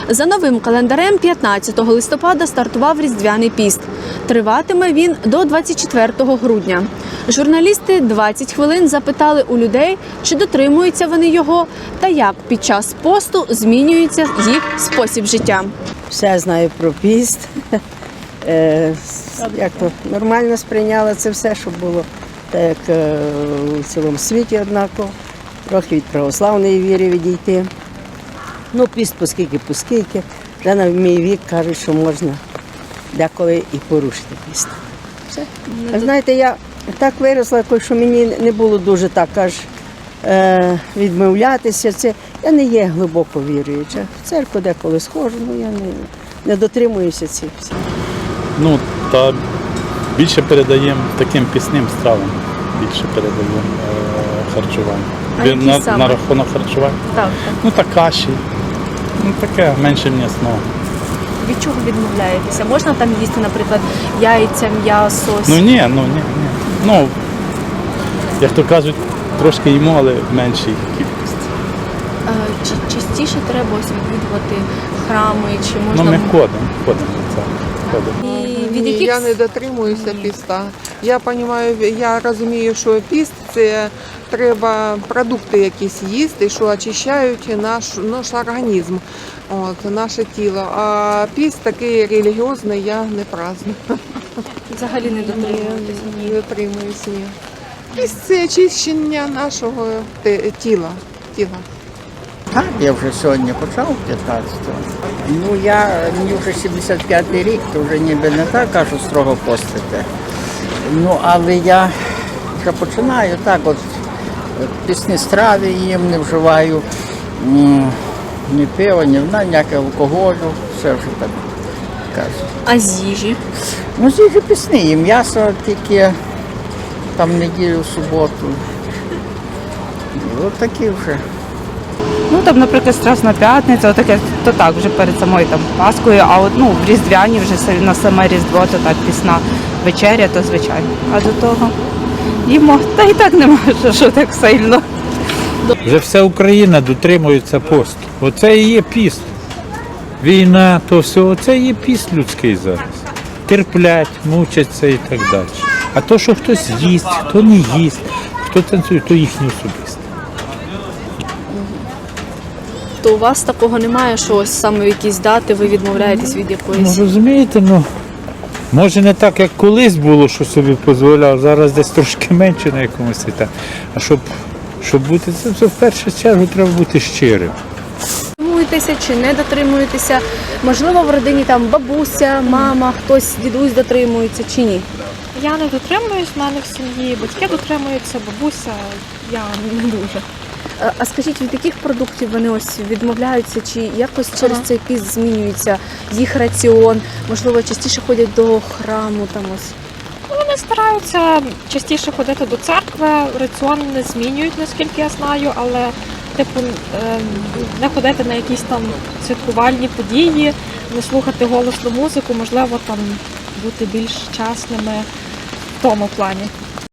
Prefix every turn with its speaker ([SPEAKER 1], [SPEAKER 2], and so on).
[SPEAKER 1] За новим календарем 15 листопада стартував Різдвяний піст. Триватиме він до 24 грудня. Журналісти 20 хвилин запитали у людей, чи дотримуються вони його та як під час посту змінюється їх спосіб життя.
[SPEAKER 2] Все знаю про піст. Як то нормально сприйняла це все, щоб було так, як у цілому світі однаково. Трохи від православної віри відійти. Ну, піст поскільки. Вже на мій вік кажуть, що можна деколи і порушити піст. Все. А знаєте, я так виросла, що мені не було дуже так аж відмовлятися. Я не є глибоко віруюча. В церкву деколи схожу, але я не дотримуюся цих всіх.
[SPEAKER 3] Ну, та більше передаємо таким пісним стравам, більше передаємо харчування. На рахунок харчування?
[SPEAKER 1] Так.
[SPEAKER 3] Ну, та каші, ну таке, менше м'ясного.
[SPEAKER 1] Від чого відмовляєтеся? Можна там їсти, наприклад, яйця, м'ясо?
[SPEAKER 3] Ні. Ну, як то кажуть, трошки їмо, але в меншій кількості.
[SPEAKER 1] Чи частіше треба ось відвідувати храми, чи можна...
[SPEAKER 3] Ну, ми ходимо в це.
[SPEAKER 4] Ні, я не дотримуюся піста. Я розумію, що піст – це треба продукти якісь їсти, що очищають наш організм, наше тіло. А піст такий релігіозний я не праздную.
[SPEAKER 1] Взагалі не дотримуєтеся?
[SPEAKER 4] Не дотримуюся, ні. Піст – це очищення нашого тіла.
[SPEAKER 5] Так, я вже сьогодні почав 15-го. Ну, мені вже 75-й рік, то вже ніби не так кажу строго постити. Ну, але я вже починаю так, от пісні страви їм, не вживаю ні пива, ні вина, ніякого алкоголю, все вже так кажу.
[SPEAKER 1] А з їжі?
[SPEAKER 5] Ну, з їжі пісні, і м'ясо тільки там неділю, суботу. От такі вже.
[SPEAKER 6] Ну, там, наприклад, Страсна п'ятниця, отаке, то так, вже перед самою там Паскою, а от, в Різдвяні вже на саме Різдво, то так, пісна вечеря, то звичайно. А до того їмо, та і так нема, що так сильно.
[SPEAKER 7] Вже вся Україна дотримується посту. Оце і є піст. Війна, то все, оце і є піст людський зараз. Терплять, мучаться і так далі. А то, що хтось їсть, хто не їсть, хто танцює, то їхнє особисте.
[SPEAKER 1] То у вас такого немає, що ось саме в якісь дати ви відмовляєтесь від якоїсь?
[SPEAKER 7] Ну, розумієте, може не так, як колись було, що собі дозволяв, зараз десь трошки менше на якомусь етапі. А щоб бути, це в першу чергу треба бути щирим.
[SPEAKER 1] Дотримуєтеся чи не дотримуєтеся? Можливо, в родині там бабуся, мама, хтось, дідусь дотримується чи ні?
[SPEAKER 8] Я не дотримуюсь, в мене в сім'ї батьки дотримуються, бабуся, я не дуже.
[SPEAKER 1] А скажіть, від яких продуктів вони ось відмовляються, чи якось через цей піст змінюється їх раціон? Можливо, частіше ходять до храму там ось?
[SPEAKER 8] Вони стараються частіше ходити до церкви, раціон не змінюють, наскільки я знаю, але не ходити на якісь там святкувальні події, не слухати голосну музику, можливо, там бути більш чесними в тому плані.